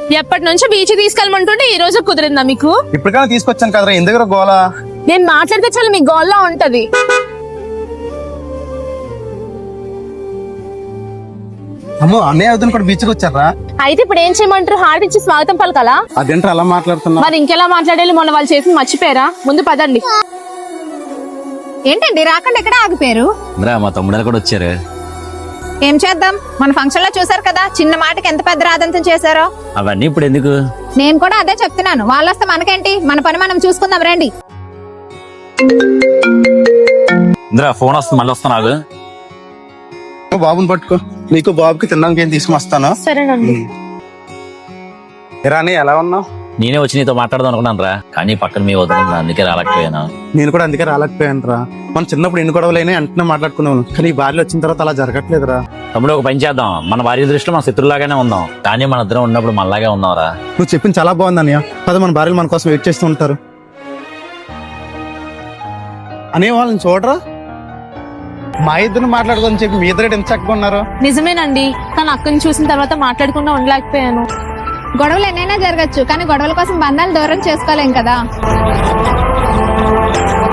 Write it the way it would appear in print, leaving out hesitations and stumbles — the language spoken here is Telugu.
ఎప్పటి నుంచో బీచ్ తీసుకెళ్ళమంటుంటే ఈ రోజు కుదిరిందా మీకు? ఇప్పటికైనా తీసుకొచ్చాను కదరా, ఎందుకు గోలా? నేను మాట్లాడితే చాలా మీ గోల్లా ఉంటది. అమ్మో, అన్నయ్య వదిన కూడా బీచ్కి వచ్చారా? అయితే ఇప్పుడు ఏం చేయమంటారు? హార్ట్ ఇచ్చి స్వాగతం పలకాలా? అదేంట్రా అలా మాట్లాడుతున్నా? మరి ఇంకెలా మాట్లాడాలి? మొన్న వాళ్ళు చేసి మర్చిపోయారా? ముందు పదండి. ఏంటండి రాకుండా ఎక్కడ ఆగిపోయారు? మా తమ్ముడు కూడా వచ్చారు. ఏం చేద్దాం, మన ఫంక్షన్ లో చూసారు కదా, చిన్న మాటకి ఎంత పెద్ద రాదంతం చేశారో. అవన్నీ ఇప్పుడు ఎందుకు? నేను కూడా అదే చెప్తున్నాను. వాళ్ళు వస్తే మనకేంటి, మన పని మనం చూసుకుందాం రండి. ఫోన్ వస్తుంది, మళ్ళీ వస్తాను. బాబుని పట్టుకో, నీకు బాబుకి తినడానికి ఏం తీసుకుని సరేనండి. రాని ఎలా ఉన్నావు? నేనే వచ్చి నీతో మాట్లాడదాం అనుకున్నాను రా, కానీ పక్కన మీ వదిలింది, అందుకే రాలేకపోయాను. నేను కూడా అందుకే రాలేకపోయాను రా. మనం చిన్నప్పుడు ఎన్ని గొడవలైనా వెంటనే మాట్లాడుకున్నాను, కానీ ఈ భార్య వచ్చిన తర్వాత అలా జరగట్లేదురా. తమ్ముడు, ఒక పని చేద్దాం, మన భార్య దృష్టిలో మన శత్రులాగానే ఉందాం, కానీ మన ఇద్దరం ఉన్నప్పుడు మనలాగే ఉందాం రా. నువ్వు చెప్పింది చాలా బాగుంది అన్నయ్య. పద, మన భార్యలు మన కోసం వెయిట్ చేస్తూ ఉంటారు. అనే వాళ్ళని చూడరా, మా ఇద్దరు మాట్లాడుకోని చెప్పి మీ ఇద్దరు ఎంత చక్కగా ఉన్నారు. నిజమేనండి, కానీ అక్కని చూసిన తర్వాత మాట్లాడకుండా ఉండలేకపోయాను. గొడవలు ఎన్నైనా జరగచ్చు, కానీ గొడవల కోసం బంధాలు దూరం చేసుకోలేం కదా.